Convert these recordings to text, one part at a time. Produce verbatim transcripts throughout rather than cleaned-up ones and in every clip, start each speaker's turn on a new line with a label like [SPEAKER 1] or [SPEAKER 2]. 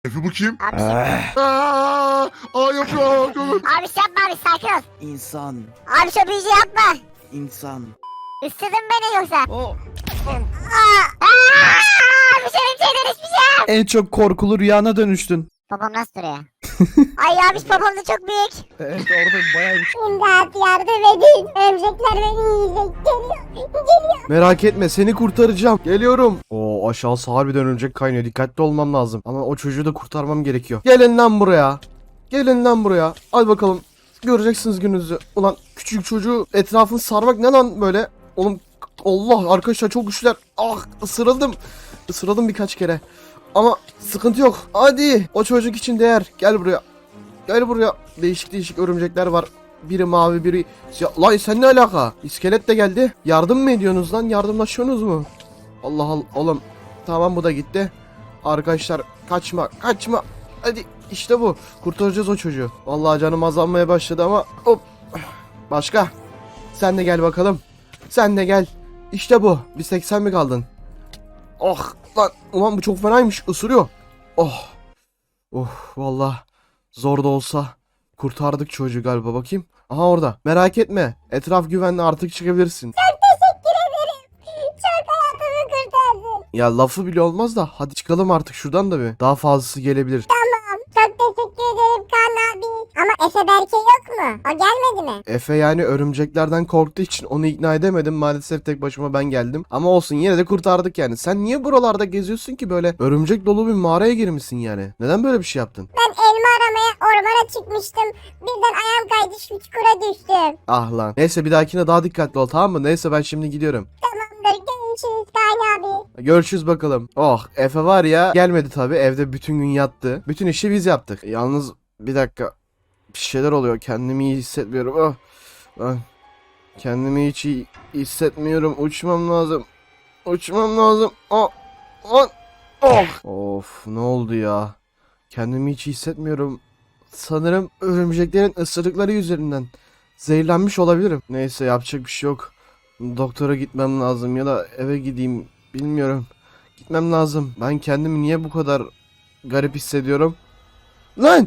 [SPEAKER 1] Efe bu kim?
[SPEAKER 2] Abi şey...
[SPEAKER 1] Aa, aa yapıyor.
[SPEAKER 2] Abi şey yapma abi sakin ol.
[SPEAKER 3] İnsan,
[SPEAKER 2] Abi şu büyücü yapma.
[SPEAKER 3] insan.
[SPEAKER 2] Üstüdün beni yoksa.
[SPEAKER 3] O
[SPEAKER 2] Aa, aa, abi senin şeyden hiçbir şey yok.
[SPEAKER 4] En çok korkulu rüyana dönüştün.
[SPEAKER 2] Babam nasıl duruyor? Ay abi babam da çok büyük.
[SPEAKER 4] Evet orada bayağı bir...
[SPEAKER 2] İmdat yardım edin. Örümcekler beni yiyecek. Geliyor. Geliyor.
[SPEAKER 4] Merak etme seni kurtaracağım. Geliyorum. Oo aşağısı harbiden örümcek kaynıyor. Dikkatli olmam lazım. Ama o çocuğu da kurtarmam gerekiyor. Gelin lan buraya. Gelin lan buraya. Hadi bakalım. Göreceksiniz gününüzü. Ulan küçük çocuğu etrafını sarmak ne lan böyle? Oğlum Allah arkadaşlar çok güçler. Ah ısırıldım. Isırıldım birkaç kere. Ama sıkıntı yok. Hadi. O çocuk için değer. Gel buraya. Gel buraya. Değişik değişik örümcekler var. Biri mavi biri siyah. Lan sen ne alaka? İskelet de geldi. Yardım mı ediyorsunuz lan? Yardımlaşıyorsunuz mu? Allah Allah. Oğlum. Tamam bu da gitti. Arkadaşlar kaçma kaçma. Hadi işte bu. Kurtaracağız o çocuğu. Vallahi canım azalmaya başladı ama hop. Başka. Sen de gel bakalım. Sen de gel. İşte bu. Bir seksen mi kaldın? Oh lan. Ulan bu çok fenaymış. Isırıyor. Oh. Oh vallahi zor da olsa kurtardık çocuğu galiba, bakayım. Aha orada. Merak etme. Etraf güvenli, artık çıkabilirsin.
[SPEAKER 2] Teşekkür ederim. Çok hayatımı kurtardın.
[SPEAKER 4] Ya lafı bile olmaz da hadi çıkalım artık şuradan da bir. Daha fazlası gelebilir.
[SPEAKER 2] Çok teşekkür ederim Kaan abi. Ama Efe Berke yok mu? O gelmedi mi?
[SPEAKER 4] Efe yani örümceklerden korktuğu için onu ikna edemedim. Maalesef tek başıma ben geldim. Ama olsun yine de kurtardık yani. Sen niye buralarda geziyorsun ki böyle? Örümcek dolu bir mağaraya girmişsin yani. Neden böyle bir şey yaptın?
[SPEAKER 2] Ben elma aramaya ormana çıkmıştım. Birden ayağım kaydı şu çukura düştüm.
[SPEAKER 4] Ah lan. Neyse bir dahakine daha dikkatli ol, tamam mı? Neyse ben şimdi gidiyorum.
[SPEAKER 2] Tamamdır görüşürüz Kaan abi.
[SPEAKER 4] Görüşürüz bakalım. Oh Efe var ya gelmedi tabi, evde bütün gün yattı. Bütün işi biz yaptık. Yalnız bir dakika bir şeyler oluyor, kendimi iyi hissetmiyorum. Oh. Ah. Kendimi hiç iyi hissetmiyorum, uçmam lazım. Uçmam lazım. Oh. Oh. Oh. Of ne oldu ya? Kendimi hiç iyi hissetmiyorum. Sanırım örümceklerin ısırıkları yüzünden zehirlenmiş olabilirim. Neyse yapacak bir şey yok. Doktora gitmem lazım ya da eve gideyim, bilmiyorum. Gitmem lazım. Ben kendimi niye bu kadar garip hissediyorum? Lan!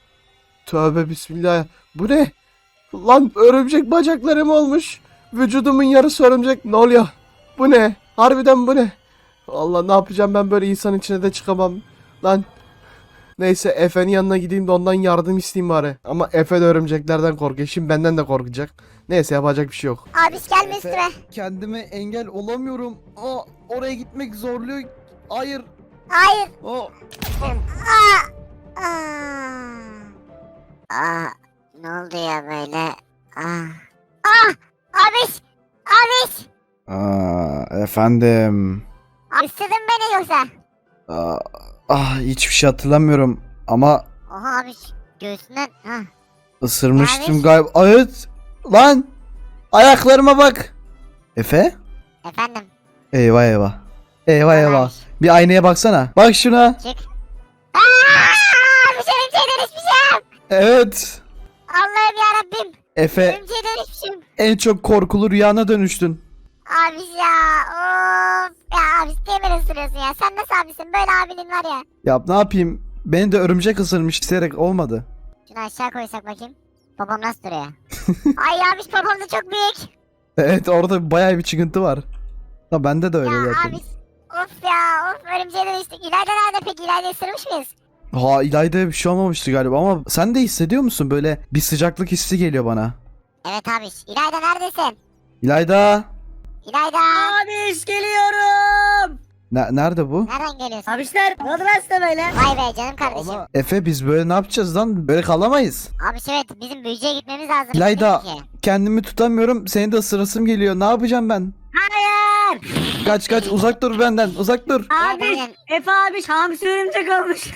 [SPEAKER 4] Tövbe bismillah. Bu ne? Lan örümcek bacaklarım olmuş. Vücudumun yarısı örümcek. Ne oluyor? Bu ne? Harbiden bu ne? Allah ne yapacağım ben, böyle insan içine de çıkamam. Lan. Neyse Efe'nin yanına gideyim de ondan yardım isteyeyim bari. Ama Efe de örümceklerden korkuyor. Şimdi benden de korkacak. Neyse yapacak bir şey yok.
[SPEAKER 2] Abi gelme üstüme.
[SPEAKER 4] Kendime engel olamıyorum. Aa, oraya gitmek zorluyor. Hayır.
[SPEAKER 2] Hayır.
[SPEAKER 4] Aa.
[SPEAKER 2] Aa. Aa. Aa. Ne oldu ya böyle? Aa. Ah. Abiş. Abiş.
[SPEAKER 3] Aa, efendim.
[SPEAKER 2] Abi ısırdın beni yoksa.
[SPEAKER 3] Aa, ah hiçbir şey hatırlamıyorum ama
[SPEAKER 2] Oha abiş. Göğsünden. Ha.
[SPEAKER 3] ısırmıştım
[SPEAKER 2] Abi.
[SPEAKER 3] galiba. Evet. Lan. Ayaklarıma bak. Efe?
[SPEAKER 2] Efendim.
[SPEAKER 3] Eyvah eyvah. Eyvah
[SPEAKER 2] Abiş.
[SPEAKER 3] eyvah. Bir aynaya baksana. Bak şuna.
[SPEAKER 2] Çık. Aa. Abi senin şeyden hiçbir şey yok.
[SPEAKER 3] Evet.
[SPEAKER 2] Allah'ım yarabbim.
[SPEAKER 3] Efe
[SPEAKER 2] Benim şeyden hiçbir şey yok.
[SPEAKER 4] En çok korkulu rüyana dönüştün.
[SPEAKER 2] Abi ya of ya abi niye beni ısırıyorsun ya, sen nasıl abisin, böyle abinin var ya.
[SPEAKER 4] Ya ne yapayım? Beni de örümcek ısırmış, isteyerek olmadı.
[SPEAKER 2] Şunu aşağı koysak bakayım. Babam nasıl duruyor? Ay abi babam da çok büyük.
[SPEAKER 4] Evet orada bayağı bir çıkıntı var. Ha bende de öyle
[SPEAKER 2] Ya
[SPEAKER 4] zaten.
[SPEAKER 2] abi of ya of, örümceğe dönüştük. İlayda nerede peki, İlayda ısırmış mıyız?
[SPEAKER 4] Ha İlayda'ya bir şey olmamıştı galiba ama sen de hissediyor musun? Böyle bir sıcaklık hissi geliyor bana.
[SPEAKER 2] Evet abi, İlayda neredesin?
[SPEAKER 4] İlayda.
[SPEAKER 2] İlayda.
[SPEAKER 5] Abiş geliyorum.
[SPEAKER 4] Ne, nerede bu?
[SPEAKER 2] Nereden geliyorsun?
[SPEAKER 5] Abişler ne oldu lan size böyle?
[SPEAKER 2] Vay be canım kardeşim.
[SPEAKER 4] Ama Efe biz böyle ne yapacağız lan? Böyle kalamayız.
[SPEAKER 2] Abi evet, bizim büyücüye gitmemiz lazım.
[SPEAKER 4] İlayda.
[SPEAKER 2] Değil mi ki?
[SPEAKER 4] Kendimi tutamıyorum. Seni de ısırasım geliyor. Ne yapacağım ben?
[SPEAKER 5] Hayır.
[SPEAKER 4] Kaç kaç, uzak dur benden. Uzak dur.
[SPEAKER 5] Abiş.
[SPEAKER 2] Aynen.
[SPEAKER 5] Efe abiş hamsi örümcek olmuş.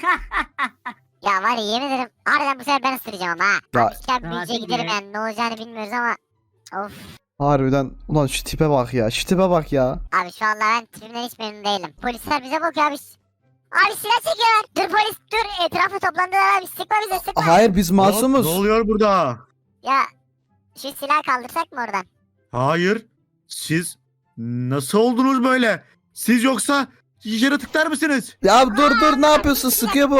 [SPEAKER 2] Ya var ya, yemin ederim harbiden bu sefer ben ısıracağım ama ha.
[SPEAKER 4] Ya-
[SPEAKER 2] Abi gel büyücüye
[SPEAKER 5] Hadi
[SPEAKER 2] gidelim
[SPEAKER 5] be.
[SPEAKER 2] yani, ne olacağını bilmiyoruz ama. Of.
[SPEAKER 4] Harbiden. Ulan şu tipe bak ya. Şu tipe bak ya.
[SPEAKER 2] Abi şu anda ben tipimden hiç memnun değilim. Polisler bize bakıyor abi. Abi silah çekiyorlar. Dur polis dur, etrafa toplandılar abi, sıkma bize sıkma.
[SPEAKER 4] Hayır biz masumuz.
[SPEAKER 1] Ne oluyor burada?
[SPEAKER 2] Ya şu silahı kaldırsak mı oradan?
[SPEAKER 1] Hayır. Siz nasıl oldunuz böyle? Siz yoksa yaratıklar mısınız?
[SPEAKER 4] Ya dur dur, ne yapıyorsun? Sıkıyor bu.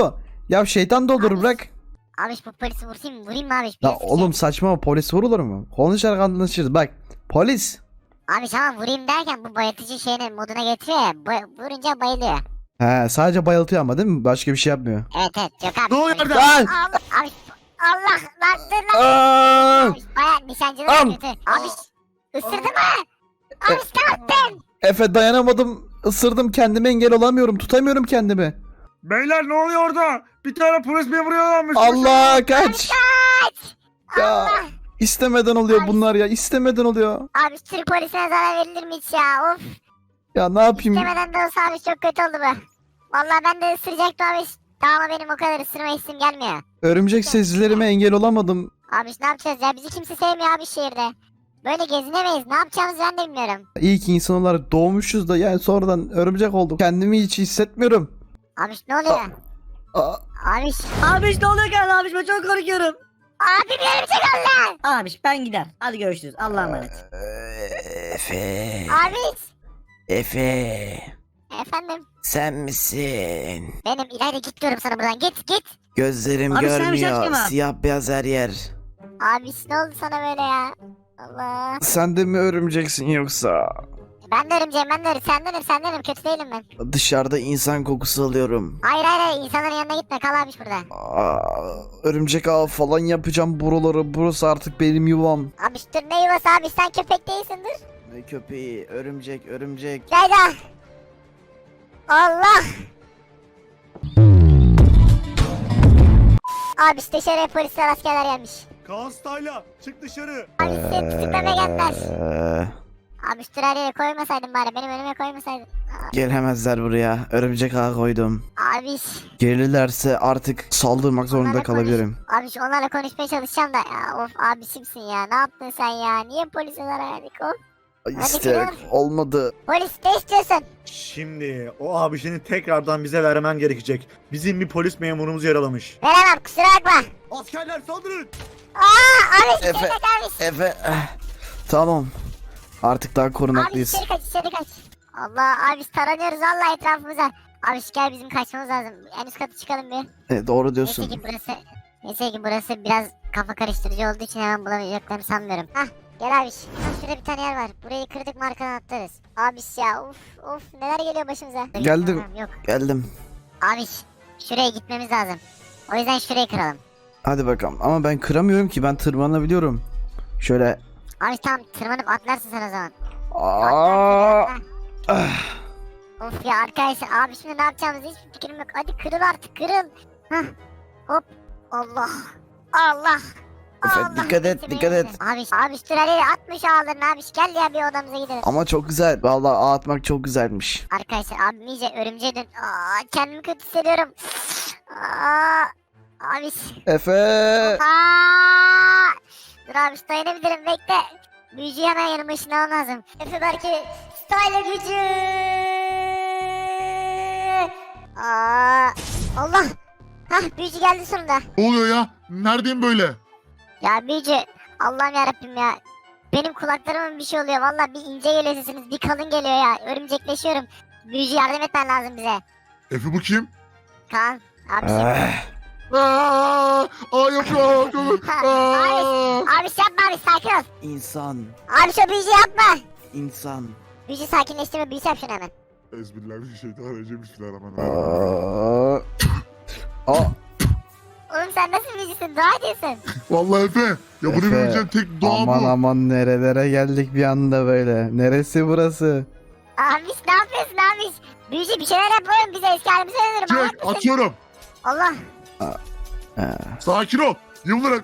[SPEAKER 3] Ya şeytan da olur bırak.
[SPEAKER 2] Abi bu polisi vurayım mı? Vurayım mı abi?
[SPEAKER 3] Ya
[SPEAKER 2] Birisi
[SPEAKER 3] oğlum saçma, polis vurulur mu? Konuşarak anlaşırız. Bak polis.
[SPEAKER 2] Abi tamam vurayım derken bu bayıltıcı şeyini moduna getiriyor ya. Bay- vurunca bayılıyor.
[SPEAKER 3] He sadece bayıltıyor ama değil mi? Başka bir şey yapmıyor.
[SPEAKER 2] Evet evet yok abi.
[SPEAKER 1] Ne oluyor
[SPEAKER 2] polis-
[SPEAKER 1] orada?
[SPEAKER 3] Lan!
[SPEAKER 2] Allah abi. Allah lan dur lan.
[SPEAKER 3] Aa!
[SPEAKER 2] Abi baya nişancılar
[SPEAKER 3] Am!
[SPEAKER 2] kötü. Abi ısırdı mı? Abi ne yaptın?
[SPEAKER 3] Efe dayanamadım. Isırdım, kendime engel olamıyorum. Tutamıyorum kendimi.
[SPEAKER 1] Beyler ne oluyor orada? Bir tane polis memuru yaralanmış.
[SPEAKER 3] Allah kaç.
[SPEAKER 2] Kaç.
[SPEAKER 3] Ya
[SPEAKER 2] Allah.
[SPEAKER 3] istemeden oluyor bunlar ya. İstemeden oluyor.
[SPEAKER 2] Abi Türk polisine zarar verilir mi hiç ya? Of.
[SPEAKER 3] Ya ne yapayım?
[SPEAKER 2] İstemeden de olsa abi çok kötü oldu bu. Vallahi ben de ısıracaktım abi. Daha ama benim o kadar ısırma hissim gelmiyor.
[SPEAKER 3] Örümcek sezgilerime engel olamadım.
[SPEAKER 2] Abi ne yapacağız ya? Bizi kimse sevmiyor abi şehirde. Böyle gezinemeyiz. Ne yapacağımızı ben de bilmiyorum.
[SPEAKER 3] İyi ki insan olarak doğmuşuz da yani sonradan örümcek olduk. Kendimi hiç hissetmiyorum.
[SPEAKER 2] Abi ne oluyor?
[SPEAKER 3] Aa,
[SPEAKER 2] Abi.
[SPEAKER 5] Abi ne oluyor ki abi ben çok korkuyorum.
[SPEAKER 2] Abi bir örümcek oldu.
[SPEAKER 5] Abi ben gider. Hadi görüşürüz. Allah'a emanet.
[SPEAKER 6] Efe,
[SPEAKER 2] Abi.
[SPEAKER 6] Efe,
[SPEAKER 2] Efendim.
[SPEAKER 6] sen misin?
[SPEAKER 2] Benim İlayda git diyorum sana buradan. Git git.
[SPEAKER 6] Gözlerim
[SPEAKER 5] Abi sen bir şey
[SPEAKER 6] görmüyor,
[SPEAKER 2] şey
[SPEAKER 5] açma.
[SPEAKER 6] siyah beyaz her yer.
[SPEAKER 2] Abi ne oldu sana böyle ya? Allah.
[SPEAKER 3] sen de mi örümceksin yoksa?
[SPEAKER 2] Ben de örümceğim ben de örümceğim. Sendenim sendenim. Kötü değilim ben.
[SPEAKER 6] Dışarıda insan kokusu alıyorum.
[SPEAKER 2] Hayır hayır hayır. İnsanların yanına gitme. Kal abi burada.
[SPEAKER 3] Aa, örümcek ağı falan yapacağım buraları. Burası artık benim yuvam.
[SPEAKER 2] Abi dur ne yuvası abi. Sen köpek değilsin dur.
[SPEAKER 6] Ne köpeği, örümcek, örümcek.
[SPEAKER 2] İlayda. Allah. Abi işte dışarıya polisler askerler gelmiş.
[SPEAKER 1] Kaan Stayla çık dışarı.
[SPEAKER 2] Abi seni tutuklamaya geldiler.
[SPEAKER 6] Ee,
[SPEAKER 2] Abi üstüne her yere koymasaydın bari. Benim önüme koymasaydın. Aa,
[SPEAKER 6] gelemezler buraya. Örümcek ağı koydum.
[SPEAKER 2] Abi.
[SPEAKER 6] Gelirlerse artık saldırmak zorunda
[SPEAKER 2] Onlarla
[SPEAKER 6] kalabilirim.
[SPEAKER 2] Konuş. Abi şu onlarla konuşmaya çalışacağım da. Ya, of abisimsin ya. Ne yaptın sen ya? Niye polise zarar verdik of?
[SPEAKER 6] Ay,
[SPEAKER 2] Hadi
[SPEAKER 6] İsteyerek
[SPEAKER 2] gidelim.
[SPEAKER 6] olmadı.
[SPEAKER 2] Polis ne istiyorsun?
[SPEAKER 1] Şimdi o abisini tekrardan bize vermen gerekecek. Bizim bir polis memurumuz yaralamış.
[SPEAKER 2] Veremem kusura bakma.
[SPEAKER 1] Askerler saldırın.
[SPEAKER 2] Aa abi
[SPEAKER 6] Efe.
[SPEAKER 2] içeri kaç abi.
[SPEAKER 6] Efe, eh, tamam. Artık daha
[SPEAKER 2] Abi
[SPEAKER 6] korunaklıyız.
[SPEAKER 2] içeri kaç içeri kaç. Allah abi taranıyoruz Allah etrafımıza. Abi gel bizim kaçmamız lazım. En üst katı çıkalım bir.
[SPEAKER 6] E, doğru
[SPEAKER 2] Neyse
[SPEAKER 6] diyorsun.
[SPEAKER 2] ki burası. Neyse ki burası biraz kafa karıştırıcı olduğu için hemen bulamayacaklarını sanmıyorum. Hah gel abi. Hah, şurada bir tane yer var. Burayı kırdık mı arkadan atlarız. Abi ya of of neler geliyor başımıza.
[SPEAKER 3] Geldim.
[SPEAKER 2] Tamam, yok.
[SPEAKER 6] Geldim.
[SPEAKER 2] Abi şuraya gitmemiz lazım. O yüzden şurayı kıralım.
[SPEAKER 3] Hadi bakalım. Ama ben kıramıyorum ki, ben tırmanabiliyorum. Şöyle.
[SPEAKER 2] Abi tamam tırmanıp atlarsın sen o zaman.
[SPEAKER 3] Aa,
[SPEAKER 2] Atlarsın, atla. Of ya arkadaşlar abi şimdi ne yapacağımızı hiçbir fikrim yok. Hadi kırıl artık kırıl. Hah. Hop. Allah. Allah.
[SPEAKER 6] Efe,
[SPEAKER 2] Allah.
[SPEAKER 6] dikkat et,
[SPEAKER 2] Neyse,
[SPEAKER 6] dikkat
[SPEAKER 2] neyse.
[SPEAKER 6] et.
[SPEAKER 2] Abi abi süreli atmış ağlarını abi. Gel ya bir odamıza gidelim.
[SPEAKER 6] Ama çok güzel. Vallahi ağ atmak çok güzelmiş.
[SPEAKER 2] Arkadaşlar abim iyice örümceğe dön. Aa, kendimi kötü hissediyorum. Aa, abi.
[SPEAKER 3] Efe.
[SPEAKER 2] Aa, dur abi dayanabilirim bekle. Büyücüyü hemen yanıma ışınlamam lazım. Efe belki style gücü. Aa, Allah. Hah büyücü geldi sonunda.
[SPEAKER 7] Ne oluyor ya? Neredeyim böyle?
[SPEAKER 2] Ya büyücü Allah'ım yarabbim ya. Benim kulaklarıma bir şey oluyor. Vallahi bir ince geliyor sesiniz. Bir kalın geliyor ya. Örümcekleşiyorum. Büyücü yardım etmen lazım bize.
[SPEAKER 7] Efe bu kim?
[SPEAKER 2] Kaan. Abi şey.
[SPEAKER 6] Ah,
[SPEAKER 7] Aa, aa yapıyor. Aa.
[SPEAKER 2] Abi şey yapma abi sakin ol.
[SPEAKER 6] insan,
[SPEAKER 2] Abi şu büyücü yapma.
[SPEAKER 6] insan.
[SPEAKER 2] Büyücü sakinleştirme büyüsü yap şunu hemen.
[SPEAKER 7] Ezbirler şeytanirracim.
[SPEAKER 3] Aa. Aa.
[SPEAKER 2] Oğlum sen nasıl büyücüsün? Dua ediyorsun.
[SPEAKER 7] Vallahi Efe. Ya bunu
[SPEAKER 3] Efe,
[SPEAKER 7] bileceğim tek doğa
[SPEAKER 3] Aman
[SPEAKER 7] bu.
[SPEAKER 3] aman nerelere geldik bir anda böyle. Neresi burası?
[SPEAKER 2] Abi ne yapıyorsun abi? Büyücü bir şeyler yap oğlum bize eski halimize dönelim.
[SPEAKER 7] Çek atıyorum.
[SPEAKER 2] Allah.
[SPEAKER 7] Sakin ol. Yıldırak.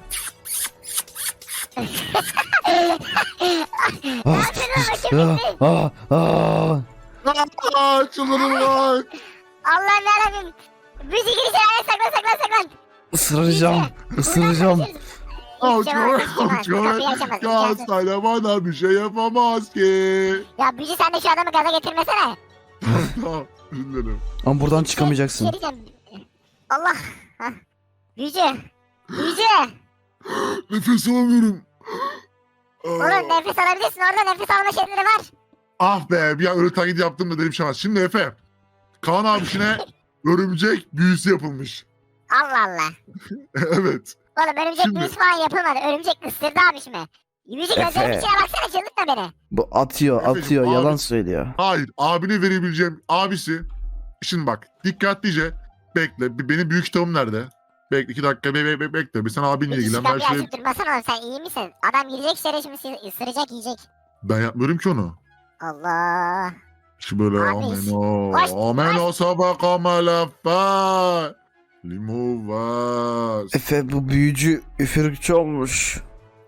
[SPEAKER 2] Ne yapıyorsun bakayım bizi?
[SPEAKER 3] Aa, aa.
[SPEAKER 7] Aa, çıldırın lan.
[SPEAKER 2] Allah'ım yarabbim. Büyücü girişe saklan saklan saklan.
[SPEAKER 3] Isıracağım. Isıracağım.
[SPEAKER 7] Aç
[SPEAKER 2] Hiçbir şey olmaz, hiçbir şey olmaz. Kapıyı
[SPEAKER 7] aç
[SPEAKER 2] açamaz,
[SPEAKER 7] Ya
[SPEAKER 2] imkansız.
[SPEAKER 7] hastane bana bir şey yapamaz ki.
[SPEAKER 2] Ya büyücü sen de şu adamı gaza getirmesene.
[SPEAKER 7] Tamam. Dinlerim.
[SPEAKER 3] Ama buradan
[SPEAKER 2] Bir
[SPEAKER 3] çıkamayacaksın.
[SPEAKER 2] şey diyeceğim. Allah. Hah. Büyücü. Büyücü.
[SPEAKER 7] Nefes alamıyorum. Aa.
[SPEAKER 2] Oğlum nefes alabilirsin orada nefes alma şeyleri var.
[SPEAKER 7] Ah be bir an öyle taklidi yaptım da dedim şey olmaz. Şimdi Efe. Kaan abisine örümcek büyüsü yapılmış.
[SPEAKER 2] Allah Allah.
[SPEAKER 7] Evet.
[SPEAKER 2] Oğlum örümcek
[SPEAKER 7] Şimdi-
[SPEAKER 2] büyüsü falan yapılmadı. Örümcek ısırdı abişimi. Yüzü gözlerim
[SPEAKER 6] Efe.
[SPEAKER 2] içine baksana çıldırtma beni.
[SPEAKER 6] Bu atıyor
[SPEAKER 7] Efendim,
[SPEAKER 6] atıyor
[SPEAKER 7] abi-
[SPEAKER 6] yalan söylüyor.
[SPEAKER 7] Hayır. Abine verebileceğim abisi. Şimdi bak. Dikkatlice bekle. Bir- Benim büyük kitabım nerede? Bekle iki dakika be, be, be- bekle. Bir sen abinle
[SPEAKER 2] Hiç
[SPEAKER 7] ilgilen. Ben
[SPEAKER 2] kapıyı
[SPEAKER 7] şey
[SPEAKER 2] açıp durmasana oğlum sen iyi misin? Adam girecek içeri şimdi sizi ısıracak yiyecek.
[SPEAKER 7] ben yapmıyorum ki onu.
[SPEAKER 2] Allah.
[SPEAKER 7] Şu böyle
[SPEAKER 2] Abi,
[SPEAKER 7] ameno.
[SPEAKER 2] hoş-
[SPEAKER 7] Ameno sabaka malafa. Limuvas.
[SPEAKER 6] Efe bu büyücü üfürükçü olmuş.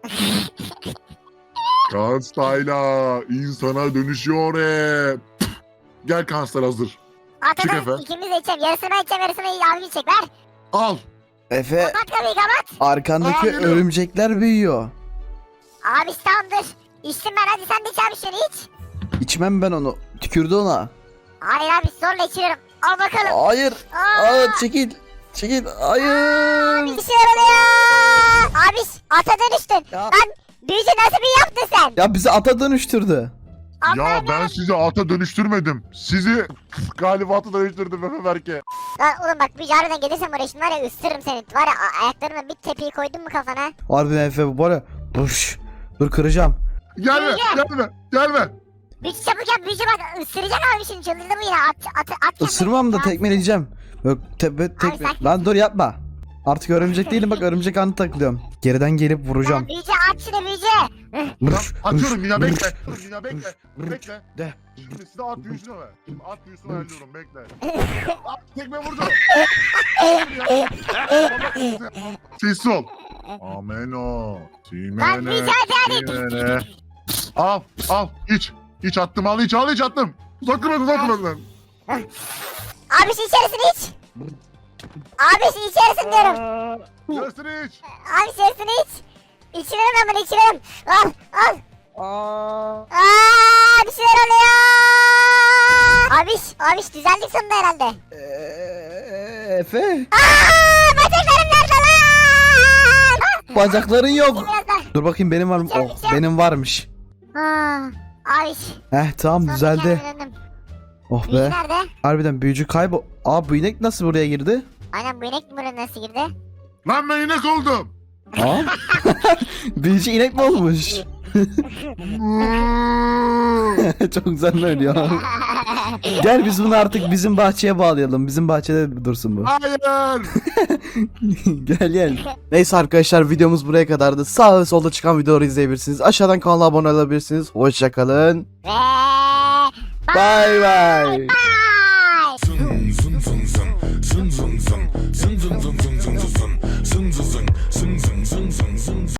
[SPEAKER 7] Kanstayla insana dönüşüyor hep. Gel Kanstal hazır. Çık
[SPEAKER 2] Atadan
[SPEAKER 7] Efe.
[SPEAKER 2] ikimiz de içelim. Yarısını ben içeceğim yarısını abi içecek. Ver.
[SPEAKER 7] Al.
[SPEAKER 6] Efe
[SPEAKER 2] Kapat kapıyı kapat.
[SPEAKER 6] arkandaki
[SPEAKER 7] Aa, geliyor.
[SPEAKER 6] örümcekler büyüyor.
[SPEAKER 2] Abi tamamdır. İçtim ben hadi sen de iç abi şunu iç.
[SPEAKER 6] İçmem ben onu. Tükürdü ona.
[SPEAKER 2] Hayır abi zorla içiyorum. Al bakalım.
[SPEAKER 6] Hayır.
[SPEAKER 2] Aa,
[SPEAKER 6] Aa, çekil. Çekil. Hayır.
[SPEAKER 2] bir şey oluyor. Abi ata dönüştün.
[SPEAKER 6] Ya.
[SPEAKER 2] Lan büyücü nasıl bir yaptın sen?
[SPEAKER 6] Ya bizi ata dönüştürdü.
[SPEAKER 7] Ya ben sizi ata dönüştürmedim. Sizi galiba ata dönüştürdüm Efe Berke.
[SPEAKER 2] Lan oğlum bak büyücü harbiden gelirsen buraya şimdi var ya ısırırım seni. Var ya a- ayaklarına bir tepiyi koydun mu kafana?
[SPEAKER 6] Harbiden Efe bu var ya. Buş. Dur kıracağım.
[SPEAKER 7] Gelme, gelme, gelme.
[SPEAKER 2] Büyücü çabuk yap büyücü bak ısıracak abi şimdi çıldırdı bu yine at at at. kendini.
[SPEAKER 6] Isırmam da
[SPEAKER 2] Ya,
[SPEAKER 6] tekmeleyeceğim. Yok tepe tekme.
[SPEAKER 2] sakin.
[SPEAKER 6] Lan dur yapma. Artık örümcek değilim bak örümcek anı takılıyorum. Geriden gelip
[SPEAKER 2] Lan
[SPEAKER 6] vuracağım.
[SPEAKER 2] büyücü at şunu büyücü.
[SPEAKER 7] Tamam,
[SPEAKER 6] Mırş,
[SPEAKER 7] atıyorum
[SPEAKER 6] mırş,
[SPEAKER 7] ya
[SPEAKER 6] mırş.
[SPEAKER 7] bekle. Dur ya bekle. Bekle.
[SPEAKER 6] De.
[SPEAKER 7] Şimdi size at büyüsünü ver. Şimdi at büyüsünü ayarlıyorum bekle. At tekme vurdu. Sessiz ol. Ameno.
[SPEAKER 2] Lan
[SPEAKER 7] Simene.
[SPEAKER 2] büyücü hadi hadi.
[SPEAKER 7] Simene. Al al iç. İç attım al iç al iç attım. Uzatma uzatma lan.
[SPEAKER 2] Abi şu içerisini iç. Abi şu içerisini diyorum.
[SPEAKER 7] Yarısını iç.
[SPEAKER 2] Abi içerisini iç. İçiyorum ben bunu içiyorum. Al al.
[SPEAKER 6] Aa.
[SPEAKER 2] Aa, bir şeyler oluyor. Abiş, abiş düzeldik sonunda herhalde.
[SPEAKER 6] Ee, Efe.
[SPEAKER 2] Aa, bacaklarım nerede lan?
[SPEAKER 6] Bacakların yok.
[SPEAKER 2] Biraz daha.
[SPEAKER 6] Dur bakayım benim var mı? Oh benim varmış.
[SPEAKER 2] Aa, abiş.
[SPEAKER 6] Heh tamam
[SPEAKER 2] sonra
[SPEAKER 6] düzeldi.
[SPEAKER 2] kendime döndüm.
[SPEAKER 6] Oh
[SPEAKER 2] Büyücü
[SPEAKER 6] be.
[SPEAKER 2] nerede?
[SPEAKER 6] Harbiden büyücü kaybol. Aa bu inek nasıl buraya girdi?
[SPEAKER 2] Aynen bu inek buraya nasıl girdi?
[SPEAKER 7] Lan ben inek oldum.
[SPEAKER 6] Aa. Büyücü inek mi olmuş? Çok güzel oynuyor. Gel biz bunu artık bizim bahçeye bağlayalım. Bizim bahçede dursun bu.
[SPEAKER 7] Hayır.
[SPEAKER 6] Gel gel.
[SPEAKER 4] Neyse arkadaşlar videomuz buraya kadardı. Sağ ve solda çıkan videoları izleyebilirsiniz. Aşağıdan kanala abone olabilirsiniz. Hoşçakalın.
[SPEAKER 2] Ve...
[SPEAKER 6] Bye bye.
[SPEAKER 2] Bye.